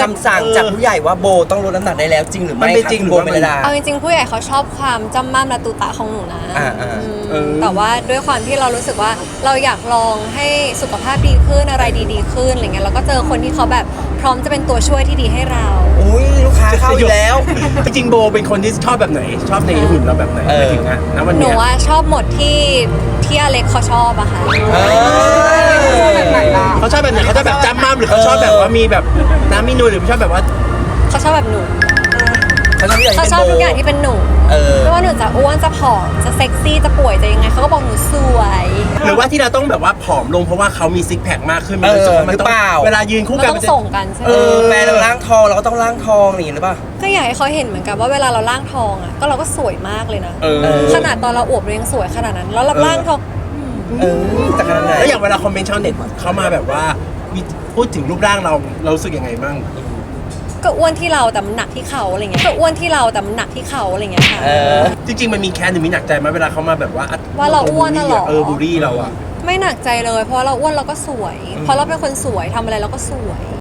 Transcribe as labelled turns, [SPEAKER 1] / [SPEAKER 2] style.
[SPEAKER 1] ำสั่งจากผู้ใหญ่ว่าโบต้องลดน้ำหนักได้แล้วจริงหรือไม่จริงโบเมลดา
[SPEAKER 2] เอาจริงๆผู้ใหญ่เขาชอบความจำม่ำและตุตะของหนูนะแต่ว่าด้วยความที่เรารู้สึกว่าเราอยากลองให้สุขภาพดีขึ้นอะไรดีๆขึ้นอะไรเงี้ยแล้วก็เจอคนที่เขาแบบพร้อมจะเป็นตัวช่วยที่ดีให้เรา
[SPEAKER 1] อุ้ยลูกค้าเข้าอยู่แล้ว
[SPEAKER 3] จริงๆโบเป็นคนที่ชอบแบบไหนชอบในหุ่นเราแบบไหนไปถึงนะวัน
[SPEAKER 2] หนู
[SPEAKER 3] นี้
[SPEAKER 2] ว่าชอบหมดที่อเล็กเขาชอบอะค่ะ
[SPEAKER 3] เขาชอบแบบไหนเขาชอบแบบจ้ำม่ำหรือเขาชอบแบบว่ามีแบบน้ำมีนูนหรือชอบแบบว่า
[SPEAKER 2] เขาชอบแบบหนู
[SPEAKER 1] เขาชอบ
[SPEAKER 2] เขาชอบทุกอย่างที่เป็นหนูไม่ว่าหนูจะอ้วนจะผอมจะเซ็กซี่จะป่วยจะยังไงเขาก็บอกหนูสวย
[SPEAKER 3] หรือว่าที่เราต้องแบบว่าผอมลงเพราะว่าเขามีซิกแพคมากขึ้นมันรู้สึกว่ามันต้องเวลายืนคู่
[SPEAKER 2] มัน
[SPEAKER 3] กัน
[SPEAKER 2] ต้องส่งกันใช่ไหม
[SPEAKER 1] แฟนเราล่างทองเราก็ต้องล่างทองนี่หรือเปล่า
[SPEAKER 2] ก็อยากให้เขาเห็นเหมือนกันว่าเวลาเราล่างทองอะก็เราก็สวยมากเลยนะขนาดตอนเราอวบเรายังสวยขนาดนั้นแล้วเราล่างทอง
[SPEAKER 1] แต่ขนาดไหน
[SPEAKER 3] แล้วอย่างเวลาคอมเมนต์ชาวเน็ตเขามาแบบว่าพูดถึงรูปร่างเรารู้สึกยังไงบ้าง
[SPEAKER 2] ก็อ้วนที่เราแต่มันหนักที่เขาอะไรเงี้ยก็อ้วนที่เราแต่มันหนักที่เขาอะไรเงี้ยค่ะ
[SPEAKER 3] จริงๆมันมีแค้นหรือมีหนักใจไหมเวลาเขามาแบบว่า
[SPEAKER 2] ว่าเราอ้วนน่ะเหรอ
[SPEAKER 3] บูลลี่เราอะ
[SPEAKER 2] ไม่หนักใจเลยเพราะเราอ้วนเราก็สวย เพราะเราเป็นคนสวยทำอะไรเราก็สวย